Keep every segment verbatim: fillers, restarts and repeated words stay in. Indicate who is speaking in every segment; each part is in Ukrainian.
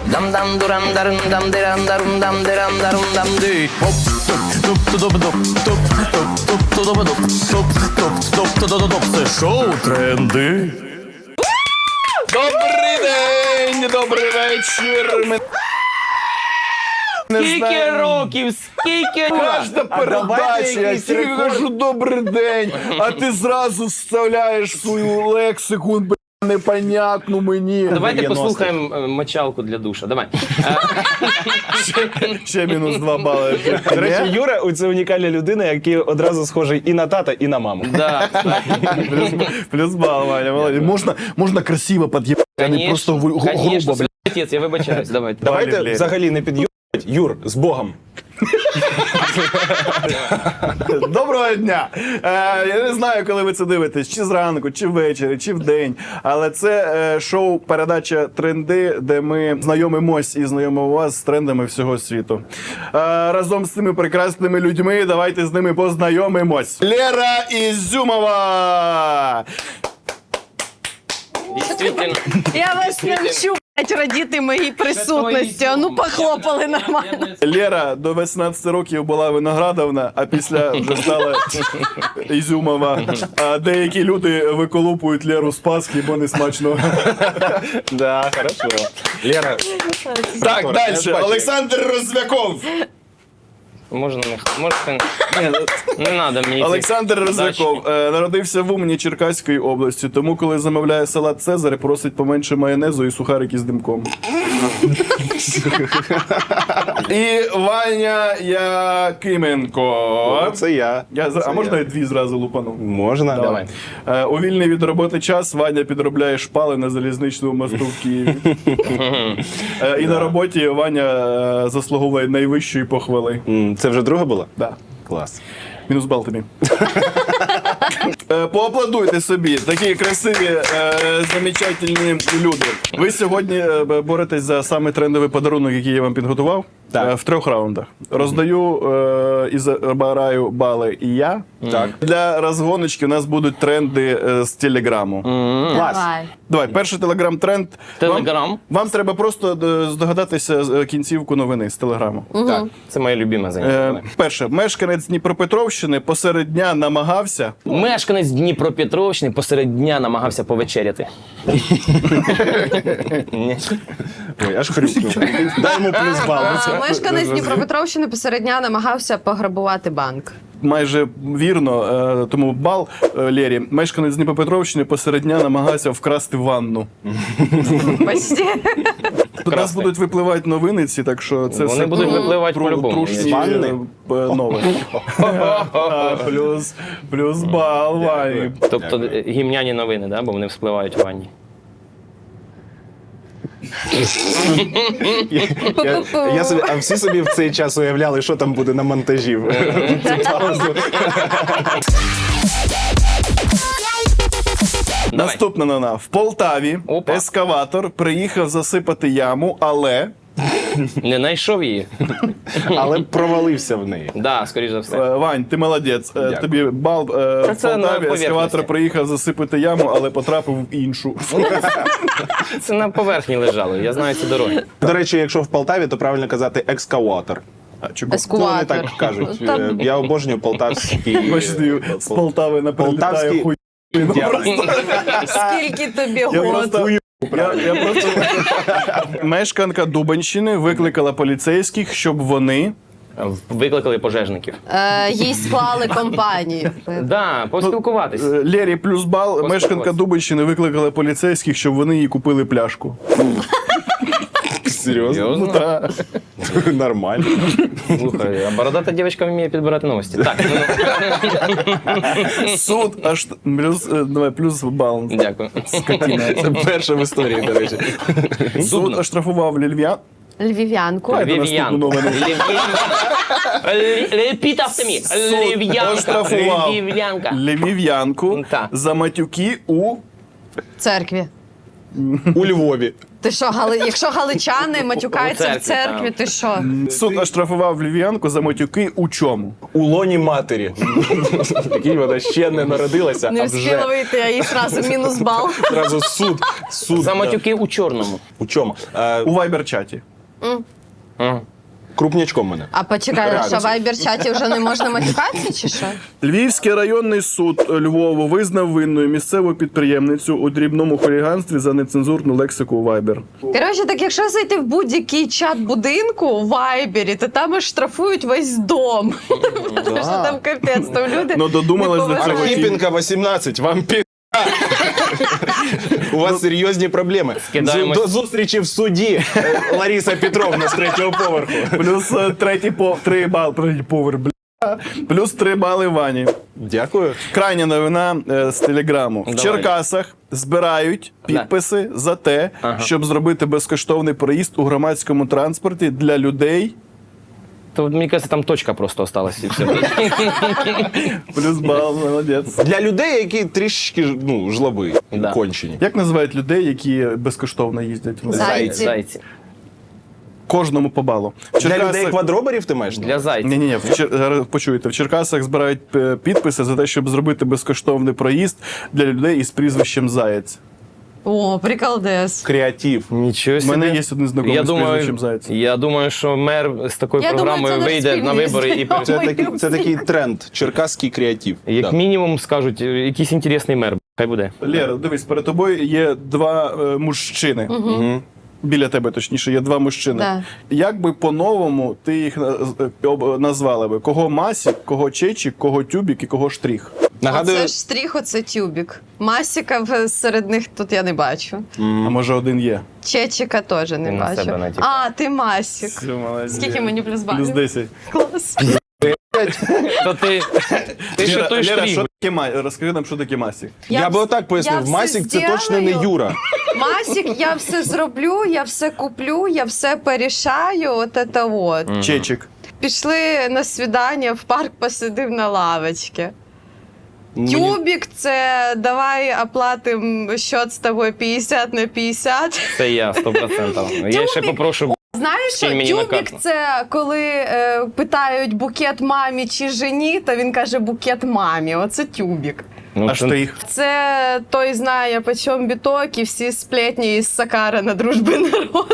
Speaker 1: Це шоу «Тренди». Добрий день, добрий вечір. Ми...
Speaker 2: Скільки років, скільки...
Speaker 1: Кожна передача, я тобі кажу добрий день, а ти зразу вставляєш свою лексику, б**, непонятну мені.
Speaker 2: Давайте послухаємо е, мочалку для душа, давай.
Speaker 1: Ще мінус два бали.
Speaker 3: До речі, Юра – це унікальна людина, який одразу схожий і на тата, і на маму.
Speaker 2: Да.
Speaker 1: Плюс, плюс бал, Ваня, молодець. Можна, можна красиво під'їбати, а не просто гру- гру-
Speaker 2: Конечно,
Speaker 1: грубо, блядь.
Speaker 2: отець, я вибачаюсь, давайте.
Speaker 3: Давайте
Speaker 1: Валерій.
Speaker 3: взагалі не під'їбать. Юр, з Богом.
Speaker 1: Доброго дня! Е, я не знаю, коли ви це дивитесь, чи зранку, чи ввечері, чи вдень. Але це е, шоу, передача «Тренди», де ми знайомимось і знайомимо вас з трендами всього світу. Е, разом з цими прекрасними людьми давайте з ними познайомимось. Лера Ізюмова!
Speaker 2: Дійсно.
Speaker 4: Я вас навчу, блядь, радіти моїй присутності. А ну похлопали нормально.
Speaker 1: Лера до вісімнадцяти років була Виноградовна, а після вже стала Ізюмова. А деякі люди виколупують Леру з Пасхи, бо не смачно.
Speaker 3: Да, хорошо. Лера,
Speaker 1: Так,
Speaker 3: я
Speaker 1: далі.
Speaker 3: бачу.
Speaker 1: Олександр Розвяков.
Speaker 2: Можна не... Можете... Не треба мені цих
Speaker 1: Олександр
Speaker 2: задач.
Speaker 1: Розвяков е, народився в Умані Черкаської області, тому коли замовляє салат Цезарь, просить поменше майонезу і сухарики з димком. І Ваня Якименко.
Speaker 3: це я.
Speaker 1: Я, зра- а можна я дві зразу лупану?
Speaker 3: Можна?
Speaker 1: Давай. Е, У вільний від роботи час Ваня підробляє шпали на залізничному мосту в Києві. Е, І на роботі Ваня е, заслуговує найвищої похвали.
Speaker 3: М, Це вже друга була?
Speaker 1: Да.
Speaker 3: Клас.
Speaker 1: Мінус бал тобі. Е, Поаплодуйте собі, такі красиві, е, замечательні люди. Ви сьогодні е, боретесь за самий трендовий подарунок, який я вам підготував.
Speaker 3: Так.
Speaker 1: Е, В трьох раундах. Роздаю е, і забираю бали і я.
Speaker 3: Так.
Speaker 1: Для розгоночки у нас будуть тренди е, з телеграму.
Speaker 3: Клас.
Speaker 4: Давай.
Speaker 1: Давай, перший телеграм-тренд.
Speaker 2: Телеграм?
Speaker 1: Вам, вам треба просто е, здогадатися е, кінцівку новини з телеграму.
Speaker 3: Так.
Speaker 2: Це моє любиме заняття.
Speaker 1: Е,
Speaker 2: давай.
Speaker 1: перше, мешканець Дніпропетровщини посеред дня намагався.
Speaker 2: Мешканець Дніпропетровщини посеред дня намагався повечеряти.
Speaker 3: Ой, аж хрюкнув. Дай йому плюс бал.
Speaker 4: А, Мешканець Дніпропетровщини посеред дня намагався пограбувати банк.
Speaker 1: Майже вірно, е, тому бал е, Лері. Мешканець Дніпропетровщини посеред дня намагався вкрасти ванну.
Speaker 4: Почти.
Speaker 1: Тут у нас будуть випливати новини ці, так що це
Speaker 2: Вони
Speaker 1: все
Speaker 2: будуть випливати
Speaker 1: тру-
Speaker 2: по-любому.
Speaker 1: трушні,
Speaker 3: З ванни?
Speaker 1: е, е, новини. А, Плюс, плюс бал, Вані.
Speaker 2: Тобто е, гімняні новини, да? Бо вони вспливають у ванні.
Speaker 3: Я, я собі, а всі собі в цей час уявляли, що там буде на монтажі. в цю паузу.
Speaker 2: Давай.
Speaker 1: Наступна новина. В Полтаві
Speaker 2: Опа.
Speaker 1: ескаватор приїхав засипати яму, але
Speaker 2: Не знайшов її?
Speaker 3: Але провалився в неї.
Speaker 2: Да, скоріш за все.
Speaker 1: Е, Вань, ти молодець. Е,
Speaker 3: Дякую.
Speaker 1: Тобі бал. Е,
Speaker 2: Та
Speaker 1: В
Speaker 2: це на
Speaker 1: Полтаві
Speaker 2: поверхності.
Speaker 1: ескаватор приїхав засипати яму, але потрапив в іншу.
Speaker 2: Це на поверхні лежало, я знаю ці дороги.
Speaker 3: До речі, якщо в Полтаві, то правильно казати екскаватор.
Speaker 1: А, чого?
Speaker 3: Ну, вони
Speaker 4: Ескуватор.
Speaker 3: так кажуть.
Speaker 4: Там-
Speaker 3: Е, Я обожнюю полтавські...
Speaker 1: Бачите, з Полтави не прилітає
Speaker 3: Полтавські-
Speaker 1: хуй.
Speaker 3: Дякую.
Speaker 4: Скільки тобі
Speaker 1: Я
Speaker 4: год?
Speaker 1: просто, я, я просто... Мешканка Дубанщини викликала поліцейських, щоб вони...
Speaker 2: Викликали пожежників.
Speaker 4: Е, їй склали компанію.
Speaker 2: Да, поспілкуватись.
Speaker 1: Е, Лері плюс бал.
Speaker 2: Поспілкуватися.
Speaker 1: Мешканка Дубанщини викликала поліцейських, щоб вони їй купили пляшку.
Speaker 3: Серйозно?
Speaker 2: Серйозно?
Speaker 1: Та.
Speaker 3: Нормально.
Speaker 2: Слухай, а бородата дівчинка вміє підбирати новості. Так, ну,
Speaker 1: Суд аж... Плюс, е, давай, плюс бал.
Speaker 2: дякую.
Speaker 1: Скотина.
Speaker 3: Це перша в історії, до речі.
Speaker 1: Суд оштрафував львів'ян.
Speaker 4: Львів'янку.
Speaker 1: Давайте наступну новину.
Speaker 2: Repeat after me.
Speaker 1: Суд
Speaker 2: Львів'янка.
Speaker 1: оштрафував
Speaker 2: Львів'янка.
Speaker 1: львів'янку
Speaker 2: Та.
Speaker 1: за матюки у...
Speaker 4: Церкві.
Speaker 3: У Львові.
Speaker 4: Ти що, гали... якщо галичани матюкаються
Speaker 2: У
Speaker 4: в
Speaker 2: церкві,
Speaker 4: церкві, ти що?
Speaker 1: Суд оштрафував львів'янку за матюки у чому?
Speaker 3: У лоні матері. Який вона ще не народилася,
Speaker 4: Не
Speaker 3: а
Speaker 4: встигла
Speaker 3: вже
Speaker 4: вийти, а їй одразу мінус бал.
Speaker 3: одразу суд. Суд.
Speaker 2: За
Speaker 3: да.
Speaker 2: матюки у чорному.
Speaker 3: У чому? Е,
Speaker 1: У вайбер-чаті.
Speaker 2: Ага.
Speaker 3: крупнячком мене.
Speaker 4: А почекай, що в вайбер-чаті вже не можна матюкатися, чи що?
Speaker 1: Львівський районний суд Львову визнав винною місцеву підприємницю у дрібному хуліганстві за нецензурну лексику у Viber.
Speaker 4: Коротше, так якщо зайти в будь-який чат будинку у Вайбері, то там аж штрафують весь дом. Тому що там капець, там люди
Speaker 1: Ну, додумались
Speaker 4: не
Speaker 1: до цього.
Speaker 4: поважають.
Speaker 3: Архипенко, вісімнадцять, вам пі... У вас серйозні проблеми.
Speaker 2: Скидаємось.
Speaker 3: До зустрічі в суді, е, Лариса Петровна з третього поверху.
Speaker 1: Плюс е, третій по три бали, третій поверх, бля. Плюс три бали Вані.
Speaker 3: Дякую.
Speaker 1: Крайня новина е, з телеграму. В
Speaker 2: Давай.
Speaker 1: Черкасах збирають підписи за те,
Speaker 2: Ага.
Speaker 1: щоб зробити безкоштовний проїзд у громадському транспорті для людей.
Speaker 2: То мені кажется, там точка просто осталась і все.
Speaker 1: Плюс бал, молодець.
Speaker 3: Для людей, які трішечки ну, жлоби,
Speaker 2: Да.
Speaker 3: кончені.
Speaker 1: Як називають людей, які безкоштовно їздять?
Speaker 4: Зайці.
Speaker 2: Зайці.
Speaker 1: Кожному по балу. В
Speaker 3: Для
Speaker 1: Черкасах-
Speaker 3: людей квадроберів ти маєш?
Speaker 2: Для зайців.
Speaker 1: Ні-ні-ні, в Чер... зараз почуєте, в Черкасах збирають е, підписи за те, щоб зробити безкоштовний проїзд для людей із прізвищем Заєць.
Speaker 4: О, приколдес.
Speaker 3: Креатив.
Speaker 2: Нічого
Speaker 1: У
Speaker 2: собі.
Speaker 1: мене є один знайомий
Speaker 2: Я
Speaker 1: з
Speaker 2: думаю,
Speaker 1: прізвищем Заєць.
Speaker 2: я думаю, що мер з такою
Speaker 4: Я думаю,
Speaker 2: програмою
Speaker 4: це наш
Speaker 2: вийде на
Speaker 4: спільний
Speaker 2: вибори і
Speaker 4: знайомий.
Speaker 3: Це,
Speaker 4: Ой,
Speaker 3: такий, це такий тренд. Черкаський креатив.
Speaker 2: як
Speaker 3: Да.
Speaker 2: мінімум скажуть, якийсь інтересний мер. Хай буде.
Speaker 1: Лєра, дивись, перед тобою є два е, мужчини.
Speaker 3: Мгм.
Speaker 1: Біля тебе, точніше, є два мужчини.
Speaker 4: Да.
Speaker 1: Як би по-новому ти їх на- е, об- назвала би? Кого Масік, кого Чечік, кого Тюбік і кого Штрих?
Speaker 3: Нагадую,
Speaker 4: Оце ж стріх, оце тюбік. Масіка в- серед них тут я не бачу.
Speaker 1: А може один є?
Speaker 4: Чечика теж не
Speaker 2: Ти на себе
Speaker 4: бачу.
Speaker 2: натякав.
Speaker 4: А, ти Масік.
Speaker 1: Все, молодець.
Speaker 4: Скільки мені плюс балів?
Speaker 1: Плюс десять.
Speaker 4: Клас.
Speaker 2: То ти, ти ще той
Speaker 1: Лєра,
Speaker 2: штрих.
Speaker 1: що таке Ма- розкажи нам, що таке Масік.
Speaker 3: я,
Speaker 4: вс-
Speaker 3: би отак пояснив.
Speaker 4: я все
Speaker 3: Масік це точно не
Speaker 4: зділаю.
Speaker 3: Юра.
Speaker 4: Масік, я все зроблю, я все куплю, я все порішаю, от це от.
Speaker 1: Чечік.
Speaker 4: Пішли на свідання, в парк посидив на лавочці.
Speaker 3: Мені-
Speaker 4: Тюбік – це давай оплатимо счет з тобою п'ятдесят на п'ятдесят.
Speaker 2: Це я, сто відсотків. Я ще попрошу.
Speaker 4: Знаєш, що
Speaker 2: Кинь мені на
Speaker 4: тюбік
Speaker 2: карту.
Speaker 4: – це коли е, питають букет мамі чи жені, то він каже букет мамі. Оце тюбік.
Speaker 2: Ну,
Speaker 1: А
Speaker 2: це-
Speaker 1: Штрих?
Speaker 4: Це той знає, по чому біток, і всі сплетні із Сакара на дружби народу.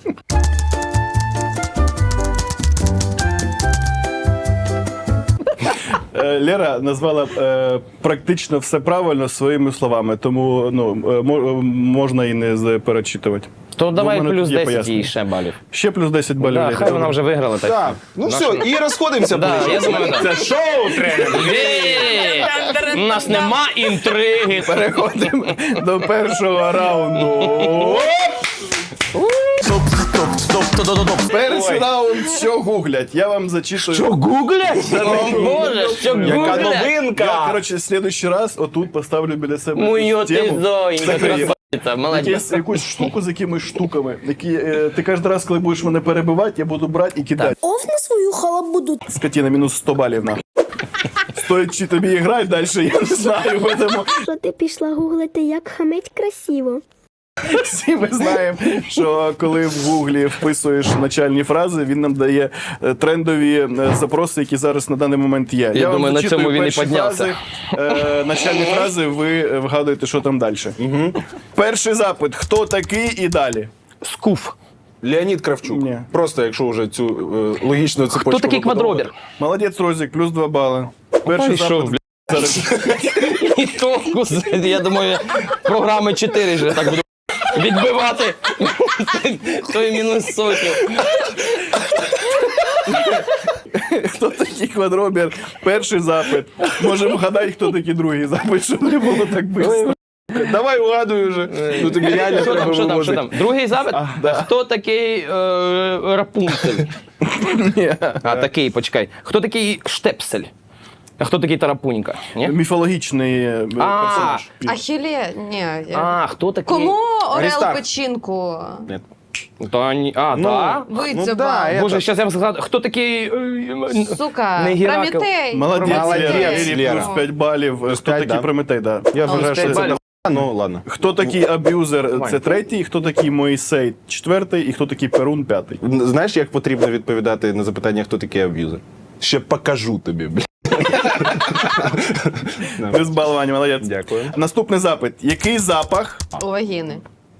Speaker 1: Е, Лера назвала е, практично все правильно своїми словами, тому ну, е, мо- можна і не заперечитувати.
Speaker 2: То давай
Speaker 1: в мене
Speaker 2: плюс
Speaker 1: є
Speaker 2: десять
Speaker 1: пояснення.
Speaker 2: їй ще балів.
Speaker 1: Ще плюс десять балів.
Speaker 2: Да,
Speaker 1: Лері.
Speaker 2: хай вона вже виграла. Так.
Speaker 3: Так, ну
Speaker 2: Наш-
Speaker 3: все, і розходимося.
Speaker 2: Да,
Speaker 3: по
Speaker 2: я думаю, да.
Speaker 3: Це шоу треба.
Speaker 2: Е, У нас нема інтриги.
Speaker 1: Переходимо до першого раунду. Стоп, стоп, стоп, стоп, стоп, стоп. Перший раунд, що гуглять. Я вам зачитую.
Speaker 2: Що гуглять? О Боже, що
Speaker 3: Яка
Speaker 2: гуглять?
Speaker 3: новинка?
Speaker 1: Я, коротше, в следующий раз отут поставлю біля себе
Speaker 2: Мою
Speaker 1: якусь
Speaker 2: ти
Speaker 1: тему.
Speaker 2: зоїнька,
Speaker 1: Закриє.
Speaker 2: красавиця, молодець.
Speaker 1: Якусь, якусь штуку з якимись штуками, які е, ти кожен раз, коли будеш мене перебивати, я буду брати і кидати.
Speaker 5: Оф на свою халабуду.
Speaker 1: Скотина, мінус сто балів на. Стоїть чи тобі грати далі, я не знаю. Тому
Speaker 5: Що ти пішла гуглити, як хамить красиво.
Speaker 1: всі ми знаємо, що коли в гуглі вписуєш начальні фрази, він нам дає е, трендові е, запроси, які зараз на даний момент є.
Speaker 2: Я
Speaker 1: вам
Speaker 2: думаю, на
Speaker 1: зачитую
Speaker 2: цьому він і
Speaker 1: перші
Speaker 2: піднявся.
Speaker 1: Фрази, е, начальні фрази, ви вгадуєте, що там далі. Перший запит. Хто такий і далі?
Speaker 2: Скуф.
Speaker 3: Леонід Кравчук.
Speaker 1: Ні.
Speaker 3: Просто якщо вже цю е, логічну цепочку.
Speaker 2: Хто такий
Speaker 3: побудовувати.
Speaker 2: квадробір?
Speaker 1: Молодець, Розік, плюс два бали. Перший
Speaker 2: Пішов,
Speaker 1: запит.
Speaker 2: бля. І толку, я думаю, програми чотири вже так буду відбивати. Той мінус сотню.
Speaker 1: Хто такий квадробір? Перший запит. Можемо вгадати, хто такий другий запит, щоб не було так швидко.
Speaker 3: Давай угадуй вже. Ну тобі реально
Speaker 2: Що
Speaker 3: треба
Speaker 2: там, що там, що
Speaker 3: вивозити.
Speaker 2: там? Другий запит?
Speaker 1: А, да.
Speaker 2: Хто такий е, Рапунцель?
Speaker 1: Ні.
Speaker 2: А, такий, почекай. Хто такий Штепсель? А хто такий Тарапунька? Ні?
Speaker 1: Міфологічний е, персонаж.
Speaker 4: Ахілє? Ні. я-
Speaker 2: А, хто такий?
Speaker 4: Кому Орел
Speaker 3: Аристарх.
Speaker 4: печінку?
Speaker 2: Та, ні. А,
Speaker 3: Ну,
Speaker 2: так?
Speaker 4: Вицюбав.
Speaker 3: да, я-
Speaker 2: Боже, зараз я вам сказав, хто такий... е,
Speaker 4: Сука,
Speaker 2: Не Геракл.
Speaker 4: Прометей.
Speaker 1: Молодець,
Speaker 3: Молодець,
Speaker 1: Лера. Лері
Speaker 3: Лера.
Speaker 1: плюс п'ять балів. Хто
Speaker 3: п'ять,
Speaker 1: такий
Speaker 3: да.
Speaker 1: Прометей, да.
Speaker 3: Я
Speaker 2: Ну,
Speaker 3: вважаю, що
Speaker 2: п'ять
Speaker 3: це
Speaker 2: балів.
Speaker 3: Ну, ладно.
Speaker 1: Хто такий аб'юзер? Це третій, хто такий Моїсей четвертий і хто такий Перун п'ятий.
Speaker 3: Знаєш, як потрібно відповідати на запитання, хто такий аб'юзер? Ще покажу тобі, бля.
Speaker 1: Без балування, молодець.
Speaker 3: Дякую.
Speaker 1: Наступний запит. Який запах?
Speaker 4: У вагіни.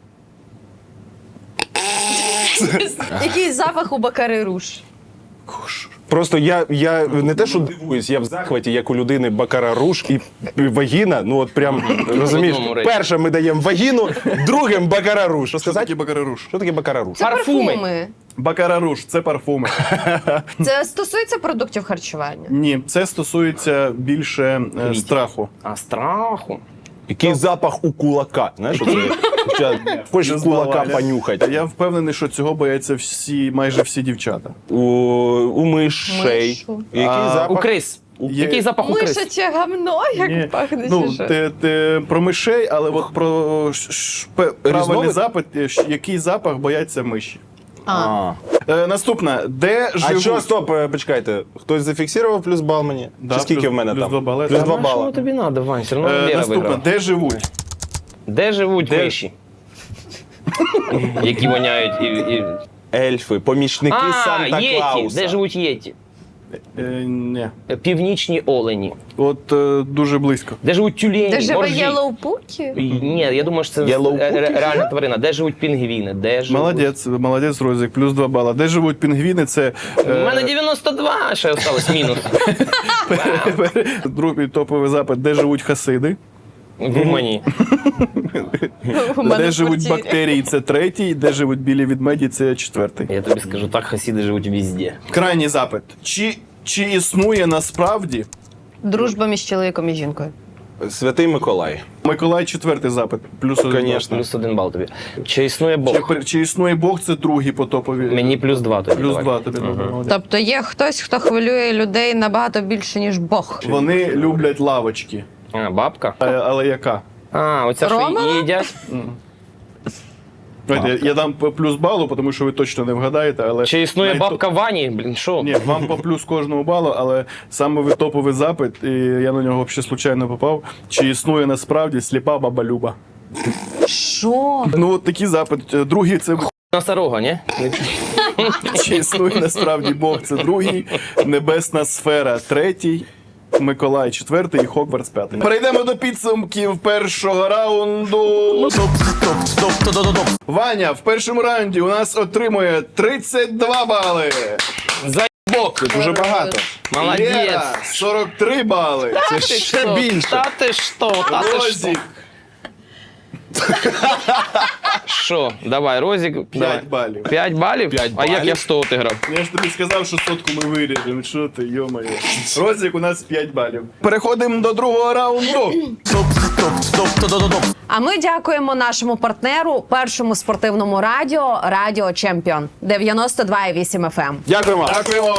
Speaker 4: Який запах у Бакари Руш?
Speaker 3: Просто я, я не те, що дивуюсь, я в захваті, як у людини бакара руш і вагіна. Ну от прям, розумієш,
Speaker 2: одному речі.
Speaker 3: перше ми даємо вагіну, другим бакара руш. Що
Speaker 1: Що таке
Speaker 3: сказати?
Speaker 1: бакараруш?
Speaker 3: Що таке бакара руш?
Speaker 4: Це
Speaker 2: Парфуми.
Speaker 4: парфуми.
Speaker 1: Бакараруш – це парфуми.
Speaker 4: Це стосується продуктів харчування.
Speaker 1: Ні, це стосується більше е, страху.
Speaker 2: А страху.
Speaker 3: Який запах у кулака? Знаєш, оце? Хочеш
Speaker 1: Без
Speaker 3: кулака
Speaker 1: балування.
Speaker 3: понюхати.
Speaker 1: Я впевнений, що цього бояться всі, майже всі дівчата.
Speaker 3: У, у мишей.
Speaker 4: Мишу.
Speaker 3: Який
Speaker 1: А,
Speaker 2: У
Speaker 3: запах?
Speaker 2: крис.
Speaker 1: Є-
Speaker 2: Який запах у крис?
Speaker 4: Мишаче гамно, як
Speaker 1: Ні.
Speaker 4: пахне.
Speaker 1: Ну,
Speaker 4: чи що?
Speaker 1: ти, ти про мишей, але от про ш- ш- пе- правильний
Speaker 3: Різновид?
Speaker 1: запит, е, ш- який запах бояться миші.
Speaker 4: А.
Speaker 3: А.
Speaker 1: Е, наступна. Де
Speaker 3: А
Speaker 1: живуть?
Speaker 3: що, стоп, е, почекайте. Хтось зафіксував плюс бал мені?
Speaker 1: Да,
Speaker 3: Чи скільки
Speaker 1: плюс-
Speaker 3: в мене
Speaker 1: плюс
Speaker 3: там?
Speaker 1: два бали.
Speaker 3: Плюс
Speaker 1: Та
Speaker 3: два
Speaker 2: Що
Speaker 3: бала.
Speaker 2: тобі треба, Вань? Все одно
Speaker 1: Е,
Speaker 2: Лера
Speaker 1: наступна.
Speaker 2: виграла.
Speaker 1: Де живуть?
Speaker 2: Де живуть миші? Які воняють і... і...
Speaker 3: Ельфи, помічники
Speaker 2: А, єті.
Speaker 3: Санта-Клауса.
Speaker 2: Де живуть єті?
Speaker 1: Е, ні.
Speaker 2: Північні олені.
Speaker 1: От е, дуже близько.
Speaker 2: Де живуть тюлені,
Speaker 4: Де живе
Speaker 2: моржі?
Speaker 4: Єлоупукі?
Speaker 2: Ні, я думаю, що це
Speaker 3: Yellow
Speaker 2: е, ре- реальна тварина. Де живуть пінгвіни? Де живуть...
Speaker 1: Молодець, молодець, Розік, плюс два бала. Де живуть пінгвіни? Це
Speaker 2: У
Speaker 1: е,
Speaker 2: мене дев'яносто два, ще осталось мінус.
Speaker 1: другий топовий запит. Де живуть хасиди?
Speaker 2: В Румунії.
Speaker 4: У мене
Speaker 1: Де
Speaker 4: в
Speaker 1: живуть
Speaker 4: квартирі.
Speaker 1: бактерії? Це третій. Де живуть білі ведмеді? Це четвертий.
Speaker 2: Я тобі скажу, так хасіди живуть везде.
Speaker 1: Крайній запит. Чи, чи існує насправді
Speaker 4: Дружба між чоловіком і жінкою.
Speaker 3: Святий Миколай.
Speaker 1: Миколай четвертий запит? Плюс один.
Speaker 3: Конечно.
Speaker 2: Плюс один бал тобі. Чи існує
Speaker 1: Чи,
Speaker 2: Бог?
Speaker 1: при- чи існує Бог? Це другий по топові.
Speaker 2: Мені плюс два тобі.
Speaker 1: плюс
Speaker 2: давай.
Speaker 1: два тобі. Молодець.
Speaker 4: Тобто є хтось, хто хвилює людей набагато більше, ніж Бог.
Speaker 1: Вони люблять лавочки.
Speaker 2: А, бабка?
Speaker 1: А, але яка?
Speaker 2: А, оця що
Speaker 4: Романа?
Speaker 2: їдять?
Speaker 1: Знаєте, я, я дам по плюс балу, тому що ви точно не вгадаєте, але
Speaker 2: Чи існує
Speaker 1: найто-
Speaker 2: бабка Вані? Блін, що?
Speaker 1: Ні, вам по плюс кожному балу, але саме ви топовий запит, і я на нього взагалі случайно попав. Чи існує насправді сліпа баба Люба?
Speaker 4: Що?
Speaker 1: Ну, от такий запит. Другий це
Speaker 2: Носорога, ні?
Speaker 1: чи існує насправді Бог, це другий, небесна сфера, третій. Миколай четвертий і Хогвартс п'ятий. Перейдемо до підсумків першого раунду. Ваня в першому раунді у нас отримує тридцять два бали.
Speaker 2: Заєбок!
Speaker 3: Дуже багато.
Speaker 2: Молодець!
Speaker 1: Лера сорок три бали.
Speaker 2: Це ще більше. Та ти що, та ти що?
Speaker 1: Розік
Speaker 2: Що? Давай, Розік. давай.
Speaker 1: п'ять балів.
Speaker 2: П'ять балів?
Speaker 3: П'ять
Speaker 2: А як
Speaker 3: балів?
Speaker 2: я в сто отиграв?
Speaker 1: Я ж тобі сказав, що сотку ми виріжемо. Що ти, йо-моє. Розік у нас п'ять балів. Переходимо до другого раунду.
Speaker 4: А ми дякуємо нашому партнеру, першому спортивному радіо Радіо Чемпіон дев'яносто два і вісім еф ем.
Speaker 3: Дякуємо.
Speaker 1: Дякуємо.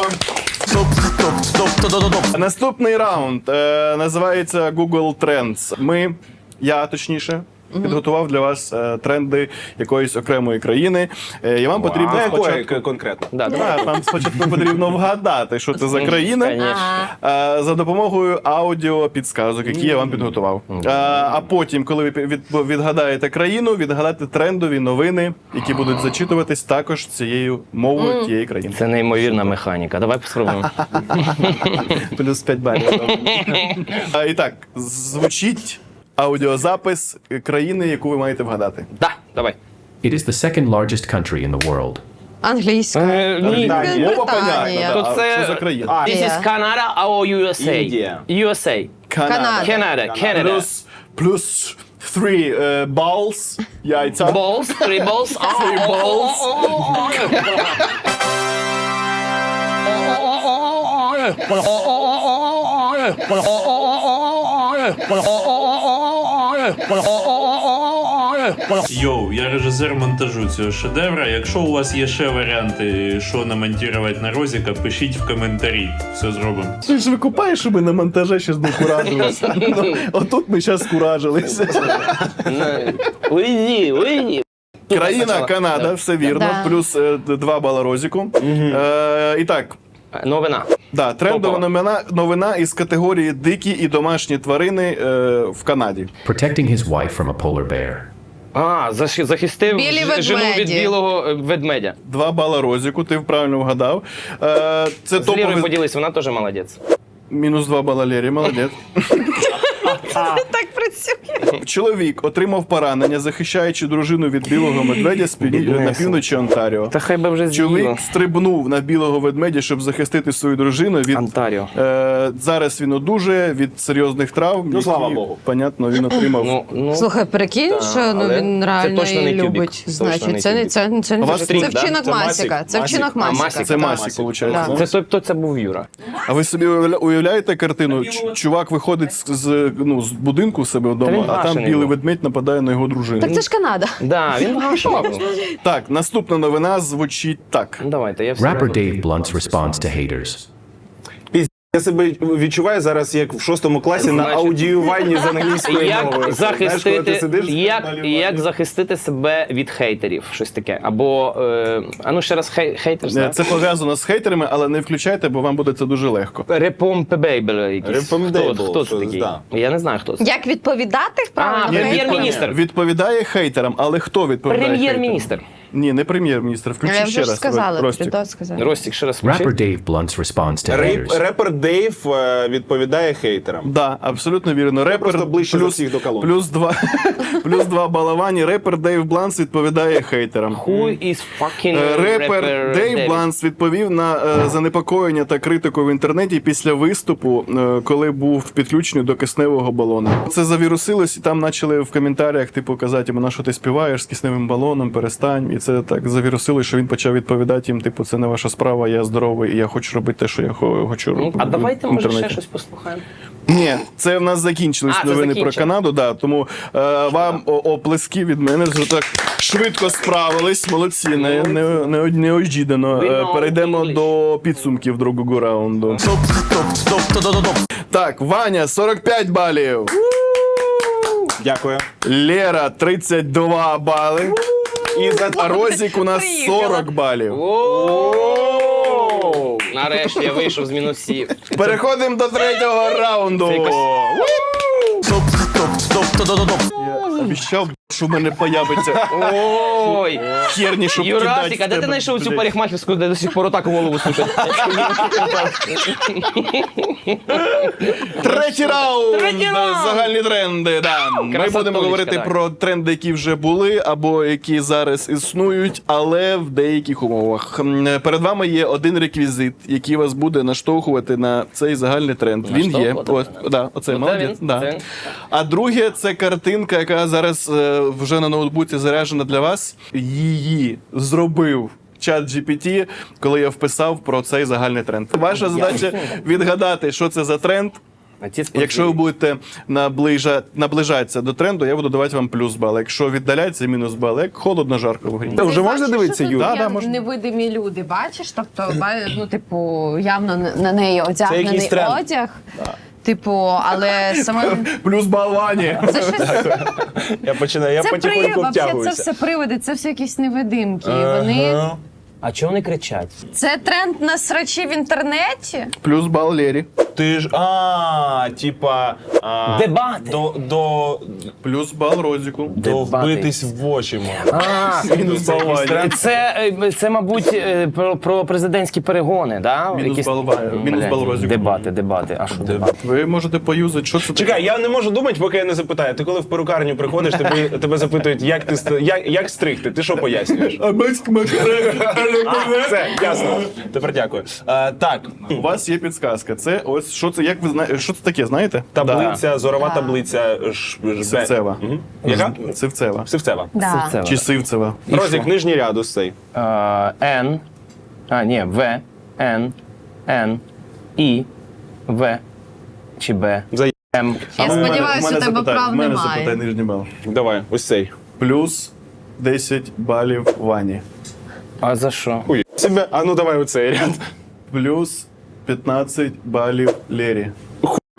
Speaker 1: Наступний раунд е, називається Google Trends. Ми, я точніше, підготував для вас е, тренди якоїсь окремої країни. Е, і вам потрібно
Speaker 3: А якої
Speaker 1: спочатку...
Speaker 2: Да,
Speaker 3: конкретно?
Speaker 2: давай.
Speaker 1: Да, вам спочатку потрібно вгадати, що це за країна.
Speaker 2: Конечно.
Speaker 1: Е, За допомогою аудіо підсказок, які я вам підготував. Е, А потім, коли ви від- відгадаєте країну, відгадати трендові новини, які будуть зачитуватись також цією мовою тієї країни.
Speaker 2: Це неймовірна механіка. Давай спробуємо.
Speaker 1: Плюс п'ять балів. А, І так, звучить аудіозапис країни, яку ви маєте вгадати.
Speaker 2: Да, давай.
Speaker 6: It is the second largest country in the world.
Speaker 4: Англійська.
Speaker 2: Е, Ні.
Speaker 3: Британія.
Speaker 1: Мова понятна,
Speaker 4: Британія.
Speaker 1: да.
Speaker 2: То
Speaker 1: А
Speaker 2: це-
Speaker 1: що за країна?
Speaker 3: А,
Speaker 2: This is Canada or ю ес ей?
Speaker 3: Індія.
Speaker 2: ю ес ей.
Speaker 4: Канада.
Speaker 2: Canada, Canada.
Speaker 1: Плюс, плюс three е, balls, яйця.
Speaker 2: Balls, three balls.
Speaker 1: Three balls.
Speaker 7: Йоу, я режисер монтажу цього шедевра. Якщо у вас є ще варіанти, що намонтувати на Розіка, пишіть в коментарі. Все зробимо.
Speaker 1: Ти ж викупаєш, що ми на монтаже щас не куражилися. Ну, отут ми зараз куражилися.
Speaker 2: Уйди, уйди.
Speaker 1: Країна Канада, все вірно.
Speaker 4: Да.
Speaker 1: Плюс е, два бала Розіку. Е, І так,
Speaker 2: Новина.
Speaker 1: Да, трендова
Speaker 2: Топова.
Speaker 1: новина, новина із категорії дикі і домашні тварини е, в Канаді.
Speaker 6: Protecting his wife from a polar bear.
Speaker 2: А, заш- захистив
Speaker 4: Білі
Speaker 2: ж- жену від
Speaker 4: ведмеді.
Speaker 2: білого е, ведмедя.
Speaker 1: Два бала Розіку, ти правильно вгадав. Е, це
Speaker 2: З Лірою
Speaker 1: топовий...
Speaker 2: поділись, вона теж молодець.
Speaker 1: Мінус два бала Лері, молодець.
Speaker 4: Так працює.
Speaker 1: Чоловік отримав поранення, захищаючи дружину від білого медведя з півні- на півночі Онтаріо.
Speaker 2: Та хай би вже з'їло.
Speaker 1: Чоловік стрибнув на білого ведмедя, щоб захистити свою дружину від
Speaker 2: Онтаріо.
Speaker 1: Е, зараз він одужує від серйозних травм.
Speaker 3: Ну, слава
Speaker 1: які,
Speaker 3: Богу.
Speaker 1: Понятно, він отримав.
Speaker 2: Ну, ну,
Speaker 4: Слухай, прикинь,
Speaker 2: Та,
Speaker 4: що ну,
Speaker 2: але
Speaker 4: він
Speaker 2: це
Speaker 4: реально
Speaker 2: точно не
Speaker 4: її
Speaker 2: кюбік.
Speaker 4: любить.
Speaker 2: Точно
Speaker 4: Значить,
Speaker 2: не
Speaker 4: це не
Speaker 2: кюбік.
Speaker 4: це, це,
Speaker 1: А у вас
Speaker 4: це,
Speaker 1: стрік,
Speaker 2: да?
Speaker 4: вчинок
Speaker 3: Це
Speaker 4: Масіка.
Speaker 3: Масік.
Speaker 4: Це вчинок
Speaker 2: А,
Speaker 4: Масіка.
Speaker 2: Масік.
Speaker 1: Це
Speaker 2: да,
Speaker 1: Масік, виходить.
Speaker 4: Да.
Speaker 2: це той, хто це був Юра.
Speaker 1: А ви собі уявля- уявляєте картину? Ч- Чувак виходить з, з, ну, з будинку у себе
Speaker 2: Та
Speaker 1: вдома,
Speaker 2: він
Speaker 1: а там
Speaker 2: башений
Speaker 1: білий
Speaker 2: був.
Speaker 1: ведмедь нападає на його дружину.
Speaker 4: Так це ж Канада.
Speaker 2: Да, він гашував.
Speaker 1: Так, наступна новина звучить так.
Speaker 2: Ну, давайте, я все.
Speaker 6: Rapper
Speaker 2: одразу-
Speaker 6: Dave Blunt's response to haters.
Speaker 3: Я себе відчуваю зараз, як в шостому класі на
Speaker 2: Значить,
Speaker 3: аудіюванні з англійською
Speaker 2: Як
Speaker 3: мовою. Знаєш, коли ти
Speaker 2: захистити,
Speaker 3: сидиш,
Speaker 2: як,
Speaker 3: малювати.
Speaker 2: як захистити себе від хейтерів, щось таке. Або, е, а ну ще раз хей, хейтерс,
Speaker 1: Е,
Speaker 2: так?
Speaker 1: Це пов'язано з хейтерами, але не включайте, бо вам буде це дуже легко.
Speaker 2: Репомпебейбл якийсь.
Speaker 3: Repompeable,
Speaker 2: Хто, хто це
Speaker 3: щось,
Speaker 2: такий?
Speaker 3: да.
Speaker 2: Я не знаю, хто це.
Speaker 4: Як відповідати правильно?
Speaker 2: А,
Speaker 1: Ні,
Speaker 2: прем'єр-міністр.
Speaker 1: відпов- Відповідає хейтерам, але хто відповідає
Speaker 2: Прем'єр-міністр.
Speaker 1: хейтерам? Ні, не прем'єр-міністр. Включи
Speaker 4: Я
Speaker 1: ще
Speaker 4: вже ж
Speaker 1: раз.
Speaker 4: сказала,
Speaker 1: Ростік.
Speaker 4: Придот сказав.
Speaker 2: Ростік, ще раз включи.
Speaker 6: Rapper Dave Blunt's response to
Speaker 3: Рейп-
Speaker 6: haters.
Speaker 3: Репер Дейв е, відповідає хейтерам.
Speaker 1: Да, абсолютно вірно. Репер
Speaker 3: просто ближче
Speaker 1: плюс,
Speaker 3: за всіх до колонки.
Speaker 1: плюс два, плюс два балавані. Репер Дейв Бланс відповідає хейтерам.
Speaker 2: Who is fucking
Speaker 1: Е, Репер
Speaker 2: rapper
Speaker 1: Дейв
Speaker 2: David?
Speaker 1: Бланс відповів на е, занепокоєння та критику в інтернеті після виступу, е, коли був підключений до кисневого балону. Це завірусилось, і там почали в коментарях типу казати йому, на що ти співаєш з кисневим балоном, перестань. І це так завірусилось, що він почав відповідати їм, типу, це не ваша справа, я здоровий, і я хочу робити те, що я хо- хочу
Speaker 2: Ну,
Speaker 1: робити.
Speaker 2: а давайте,
Speaker 1: в
Speaker 2: може,
Speaker 1: інтернеті.
Speaker 2: ще щось послухаємо.
Speaker 1: Ні, це в нас закінчились
Speaker 2: А, це
Speaker 1: новини
Speaker 2: закінчено.
Speaker 1: про Канаду, да, тому е, вам о- оплески від мене вже так швидко справились. Молодці, не, не, не, неожиданно. Е, Перейдемо до підсумків другого раунду. Так, Ваня, сорок п'ять балів.
Speaker 3: Дякую.
Speaker 1: Лера, тридцять два бали.
Speaker 3: І за
Speaker 1: А Розік у нас сорок балів.
Speaker 2: О! Нарешті я вийшов з мінусів.
Speaker 1: Переходимо до третього раунду.
Speaker 2: Це якось-
Speaker 1: Я обіцяв, що в мене появиться
Speaker 2: Ой!
Speaker 1: херні, щоб
Speaker 2: Юрасик,
Speaker 1: кидати
Speaker 2: а де
Speaker 1: в
Speaker 2: ти
Speaker 1: тебе,
Speaker 2: знайшов цю
Speaker 1: блядь.
Speaker 2: парикмахерську, де до сих пор отак голову сушить?
Speaker 1: Третій раунд!
Speaker 2: Третій раунд!
Speaker 1: Загальні тренди. Да. Ми
Speaker 2: Красотулечка,
Speaker 1: будемо говорити
Speaker 2: так.
Speaker 1: про тренди, які вже були, або які зараз існують, але в деяких умовах. М, Перед вами є один реквізит, який вас буде наштовхувати на цей загальний тренд. Він є.
Speaker 2: Наштовхувати?
Speaker 1: От, да, оце,
Speaker 2: Ну, це
Speaker 1: молодець.
Speaker 2: він,
Speaker 1: Да.
Speaker 2: це він.
Speaker 1: А друге, це картинка, яка зараз е, вже на ноутбуці заряджена для вас. Її зробив чат джі пі ті, коли я вписав про цей загальний тренд. Ваша задача відгадати, що це за тренд. Якщо ви будете наближа... наближатися до тренду, я буду давати вам плюс бал. Якщо віддаляється, мінус бал. Як холодно, жарко в грі.
Speaker 3: Та вже можна дивитися,
Speaker 4: Юр?
Speaker 3: Юр?
Speaker 1: Да,
Speaker 4: Да,
Speaker 1: да, можна.
Speaker 4: невидимі люди, бачиш? Тобто, ба- ну, типу, явно на- на неї одягнений
Speaker 3: якийсь тренд.
Speaker 4: одяг. Типу, але саме
Speaker 1: Плюс бал Вані.
Speaker 4: це щось.
Speaker 3: Я починаю, я
Speaker 4: Це привид,
Speaker 3: потихоньку
Speaker 4: вообще, це
Speaker 3: втягуюся.
Speaker 4: все привиди, це все якісь невидимки. І вони.
Speaker 3: Ага.
Speaker 2: А чого вони кричать?
Speaker 4: Це тренд на срачі в інтернеті.
Speaker 1: Плюс бал Лері.
Speaker 3: Ти ж, а, типа... а,
Speaker 2: Дебати.
Speaker 3: До, до,
Speaker 1: Плюс бал Розіку.
Speaker 3: до
Speaker 2: Дебати.
Speaker 3: вбитись в очі, може.
Speaker 2: А,
Speaker 1: Мінус бал Вані.
Speaker 2: це, е, це, мабуть, е, про, про президентські перегони, да?
Speaker 1: Мінус бал Вані. Мінус
Speaker 2: Блядь,
Speaker 1: бал Розіку.
Speaker 2: Дебати, дебати. А що дебати?
Speaker 1: Ви можете поюзати, що це таке?
Speaker 3: Чекай, я не можу думати, поки я не запитаю. Ти коли в перукарню приходиш, тебе, тебе запитують, як, ти, ст- як, як стригти, ти що пояснюєш?
Speaker 1: А батько Макарек.
Speaker 3: А, все, ясно. Тепер дякую. А, так,
Speaker 1: У вас є підсказка. Це ось що це, як ви знаєте, що це таке, знаєте?
Speaker 3: таблиця, зорова таблиця. Ж, ж,
Speaker 1: Сивцева.
Speaker 3: Мгм. Яка?
Speaker 1: Сивцева.
Speaker 3: Сивцева.
Speaker 4: Да.
Speaker 2: Це
Speaker 1: Чи Сивцева.
Speaker 3: Розік, нижній рядус цей.
Speaker 2: Е, Н, а, ні, В, Н, Н, І, В, чи Б,
Speaker 3: За
Speaker 2: М.
Speaker 4: Я
Speaker 1: У мене-
Speaker 4: сподіваюся,
Speaker 1: у мене
Speaker 4: у тебе
Speaker 1: запитай-
Speaker 4: прав
Speaker 1: у мене
Speaker 4: немає.
Speaker 1: запитай нижній бал.
Speaker 3: Давай, ось цей.
Speaker 1: Плюс десять балів Вані.
Speaker 2: А за що?
Speaker 3: Ой, себе. А ну давай оцей ряд.
Speaker 1: Плюс п'ятнадцять балів Лері.
Speaker 3: Я себе.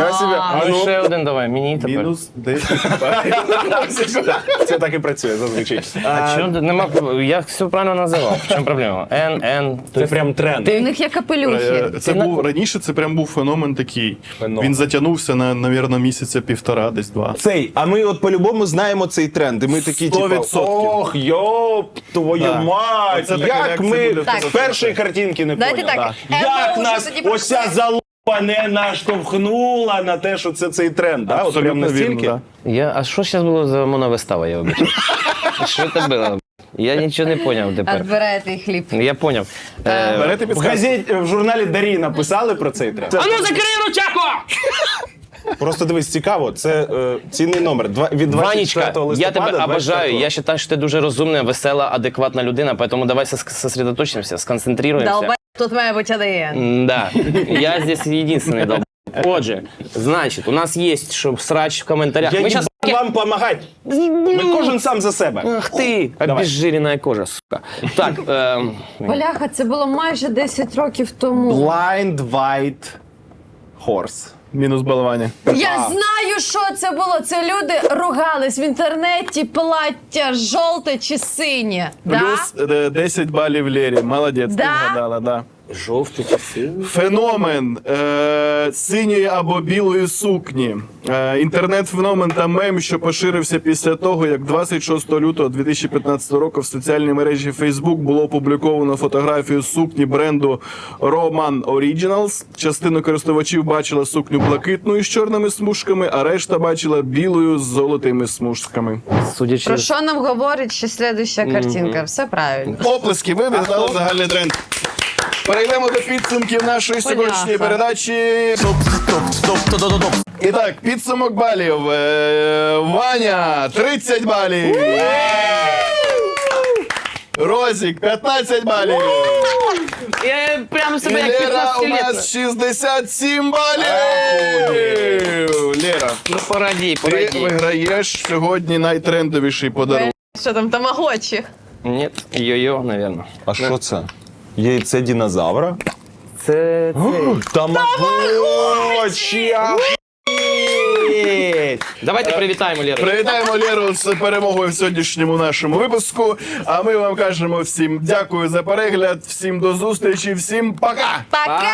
Speaker 2: А ну ще один давай, мені тепер.
Speaker 1: Мінус десять балів.
Speaker 3: Це так і працює зазвичай.
Speaker 2: А чого ти- нема? Я все правильно називав. В чому проблема? Н, Н.
Speaker 3: Це прям тренд.
Speaker 4: У них є капелюхи.
Speaker 1: Е, Це був раніше, це прям був феномен такий.
Speaker 3: Феномен.
Speaker 1: Він затягнувся на, навірно, місяця півтора, десь два.
Speaker 3: Цей, а ми от по-любому знаємо цей тренд. І ми такі,
Speaker 1: Сто
Speaker 3: типу,
Speaker 1: відсотків.
Speaker 3: ох, йоп, твою
Speaker 1: Да.
Speaker 3: мать,
Speaker 1: Оце така
Speaker 3: як
Speaker 1: реакція
Speaker 3: ми
Speaker 1: буде в
Speaker 4: Так.
Speaker 3: з першої картинки не
Speaker 4: Давайте
Speaker 3: поняли.
Speaker 4: так,
Speaker 3: Да.
Speaker 4: Емма
Speaker 3: Як
Speaker 4: вже
Speaker 3: нас
Speaker 4: тоді
Speaker 3: ося
Speaker 4: пройшла.
Speaker 3: залупа не наштовхнула на те, що це цей тренд, да? От прям
Speaker 1: Абсолютно
Speaker 3: настільки.
Speaker 1: вірно, да.
Speaker 2: Я, а що зараз було за моновистава, я вибачаю? Що це було? Я нічого не поняв тепер.
Speaker 4: Відбираєте їх хліб.
Speaker 2: Я поняв. Е,
Speaker 1: Берете
Speaker 3: В
Speaker 1: підсказку?
Speaker 3: газеті, в журналі Дарі написали про цей тренд.
Speaker 2: А ну закрий ручаку!
Speaker 3: Просто дивись, цікаво, це е, цінний номер. Два, від двадцять
Speaker 2: Ванечка,
Speaker 3: четвертого
Speaker 2: я
Speaker 3: листопада.
Speaker 2: тебе обожаю.
Speaker 3: двадцять
Speaker 2: Я вважаю, що ти дуже розумна, весела, адекватна людина, поэтому давай сос- сосредоточимся, сконцентруємося.
Speaker 4: Долбай, тут має бути один.
Speaker 2: Да, я здесь единственный долб. Отже, значить, у нас є, щоб срач в коментарях.
Speaker 3: Я
Speaker 2: Ми
Speaker 3: не
Speaker 2: щас...
Speaker 3: вам допомагати. Ми кожен сам за себе.
Speaker 2: Ах ти, обезжирена кожа, сука. Так, ем...
Speaker 4: Бляха, це було майже десять років тому.
Speaker 3: Blind White Horse.
Speaker 1: Мінус балування.
Speaker 4: Я знаю, що це було. Це люди ругались в інтернеті, плаття жовте чи синє.
Speaker 1: Плюс е, десять балів Лері. Молодець, ти
Speaker 4: Да?
Speaker 1: вгадала, да.
Speaker 2: жовтий часи.
Speaker 1: Феномен е, синьої або білої сукні. Е, інтернет-феномен та мем, що поширився після того, як двадцять шостого лютого дві тисячі п'ятнадцятого року в соціальній мережі Facebook було опубліковано фотографію сукні бренду Roman Originals. Частина користувачів бачила сукню блакитною з чорними смужками, а решта бачила білою з золотими смужками.
Speaker 2: Судячи
Speaker 4: Про що нам говорить ще слідуща картинка? Все правильно.
Speaker 1: Оплески, ви віддали загальний тренд. Перейдемо до підсумків нашої сьогоднішньої
Speaker 4: Бляха.
Speaker 1: передачі. І так, підсумок балів. Е, Ваня тридцять балів. Розік п'ятнадцять балів.
Speaker 2: Я прямо
Speaker 1: І
Speaker 2: себе як
Speaker 1: Лера у
Speaker 2: п'ятнадцятилетна.
Speaker 1: нас шістдесят сім балів. Лера,
Speaker 2: Ну пораді,
Speaker 1: ти
Speaker 2: пораді.
Speaker 1: виграєш сьогодні найтрендовіший подарунок.
Speaker 4: Що там, тамагочі?
Speaker 2: Ні, йо-йо, напевно.
Speaker 3: А що це? Яйце динозавра?
Speaker 2: Це...
Speaker 3: Тамагочі!
Speaker 2: Давайте привітаємо Леру.
Speaker 1: Привітаємо Леру з перемогою в сьогоднішньому нашому випуску. А ми вам кажемо всім дякую за перегляд, всім до зустрічі, всім пока!
Speaker 4: Пока!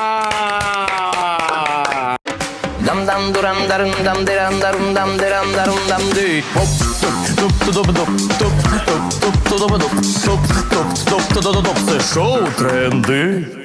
Speaker 2: Дам дам дурам дарам дам дирам дарум дам дирам дарум дам ди. Оп, топ, топ, топ, топ, топ, топ, топ, топ, топ, топ, топ, топ, топ, топ, топ, топ. Це шоу тренди.